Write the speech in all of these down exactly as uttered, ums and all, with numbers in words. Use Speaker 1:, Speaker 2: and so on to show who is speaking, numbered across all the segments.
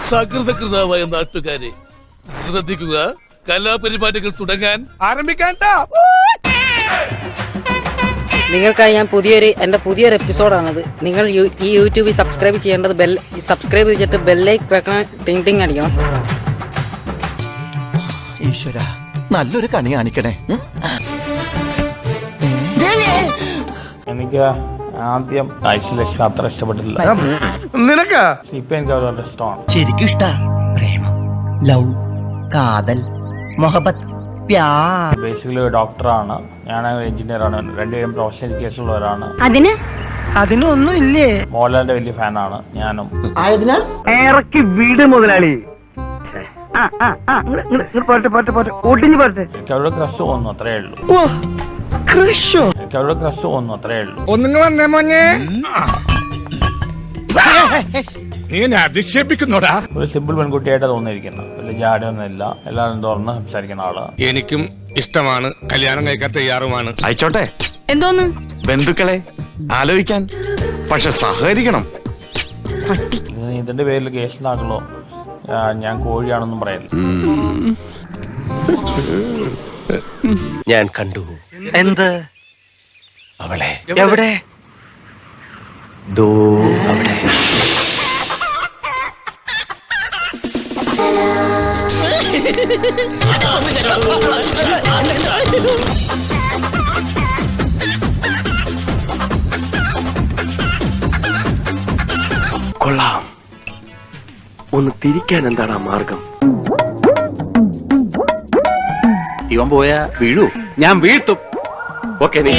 Speaker 1: സകൃതകൃതാവായ നാട്ടുകാരെ ശ്രദ്ധിക്കുക, കലാപരിപാടികൾ തുടങ്ങാൻ ആരംഭിക്കാൻ.
Speaker 2: നിങ്ങൾക്കായി ഞാൻ പുതിയൊരു എൻ്റെ പുതിയൊരു എപ്പിസോഡാണത്. നിങ്ങൾ ഈ യൂട്യൂബിൽ സബ്സ്ക്രൈബ് ചെയ്യേണ്ടത് ബെൽ സബ്സ്ക്രൈബ് ചെയ്തിട്ട് ബെല്ലൈക്ക് വെക്കണം, ടിങ് ടിങ് അടിക്കണം.
Speaker 3: ഈശ്വര, നല്ലൊരു കണി കാണിക്കണേ.
Speaker 4: എനിക്ക് ആദ്യം ഐശ്വര്യലക്ഷ്മി അത്ര ഇഷ്ടപ്പെട്ടില്ല.
Speaker 5: നിനക്കാ?
Speaker 4: ഇപ്പൊ എനിക്ക് അവരോട് ഇഷ്ടമാണ്.
Speaker 3: ശരിക്കും ഇഷ്ട. പ്രേമം, ലവ്, കാതൽ, മൊഹബത്ത്,
Speaker 4: ബേസിക്കലി ഒരു ഡോക്ടറാണ്, ഞാൻ എഞ്ചിനീയർ ആണ്. രണ്ടുപേരും പ്രൊഫഷണൽ എഡ്യൂക്കേഷൻ ഉള്ളവരാണ്.
Speaker 2: അതിന് അതിനൊന്നും ഇല്ലേ?
Speaker 4: മോഹൻലാലിന്റെ വലിയ ഫാനാണ് ഞാനും.
Speaker 3: ആയതിനാൽ
Speaker 5: ഇറക്കി വീട് മുതലാളി.
Speaker 4: എനിക്ക് അവരുടെ ക്രഷ് തോന്നുന്നു, അത്രേ ഉള്ളൂ. എനിക്ക് അവരുടെ ക്രഷ് തോന്നുന്നു, അത്രേ ഉള്ളൂ.
Speaker 5: ഒന്നുങ്ങൾ വന്നേ മോനെ. നീ അധിക്ഷേപിക്കുന്നോടാ.
Speaker 4: ഒരു സിമ്പിൾ പെൺകുട്ടിയായിട്ട് തോന്നിയിരിക്കുന്നത്, വലിയ ജാടയൊന്നുമില്ല, എല്ലാവരും തുറന്ന് സംസാരിക്കുന്ന ആള്.
Speaker 6: എനിക്കും ഇഷ്ടമാണ്, കല്യാണം കഴിക്കാൻ തയ്യാറുമാണ്.
Speaker 7: അയച്ചോട്ടെ.
Speaker 2: എന്തോന്ന്
Speaker 7: ബന്ധുക്കളെ ആലോചിക്കാൻ, പക്ഷെ സഹകരിക്കണം.
Speaker 4: ഇതിന്റെ പേരിൽ കേസ് ഉണ്ടാക്കലോ, ഞാൻ കോഴിയാണെന്നും പറയല്ല.
Speaker 6: ഞാൻ കണ്ടു.
Speaker 5: എന്ത്?
Speaker 6: അവളെ
Speaker 5: എവിടെ?
Speaker 6: ദോ അവിടെ. കൊള്ളാം. ഒന്ന് തിരിക്കാൻ എന്താണ് മാർഗം? ഇവൻ പോയാ വീഴൂ, ഞാൻ വീഴ്ത്തും. ഓക്കെ, നീ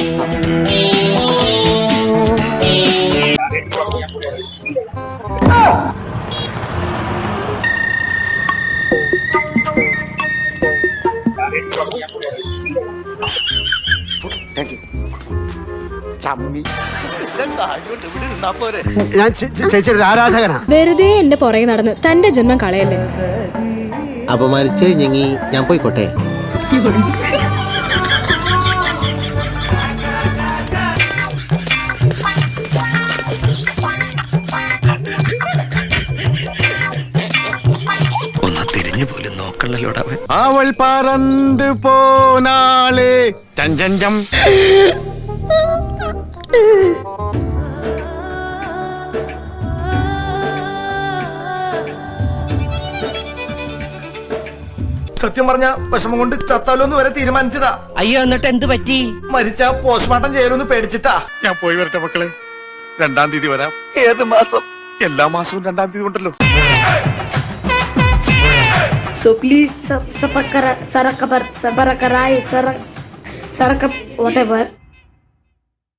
Speaker 5: ഞാൻ ചേച്ചിയുടെ ആരാധകനാ.
Speaker 8: വെറുതെ എന്റെ പുറകെ നടന്ന് തന്റെ ജന്മം കളയല്ലേ.
Speaker 3: അപമാനിച്ചു കഴിഞ്ഞെങ്കി ഞാൻ പോയിക്കോട്ടെ.
Speaker 6: ഒന്ന് തിരിഞ്ഞു പോലും നോക്കണല്ലോടവൻ.
Speaker 7: അവൾ പറന്ന് പോനാളെ ചഞ്ചഞ്ചം.
Speaker 5: സത്യം പറഞ്ഞ വിഷമം കൊണ്ട് ചത്താലോന്ന് വരെ തീരുമാനിച്ചതാ.
Speaker 2: അയ്യോ, എന്നിട്ട് എന്ത് പറ്റി?
Speaker 5: മരിച്ച പോസ്റ്റ്മോർട്ടം ചെയ്യലൊന്ന് പേടിച്ചിട്ടാ.
Speaker 6: ഞാൻ പോയി വരട്ടെ മക്കളെ, രണ്ടാം തീയതി വരാം.
Speaker 5: ഏത് മാസം?
Speaker 6: എല്ലാ മാസവും രണ്ടാം തീയതി ഉണ്ടല്ലോ.
Speaker 9: So please sub, sub, sub, sub, sub, sub, sub, sub, sub, sub, whatever.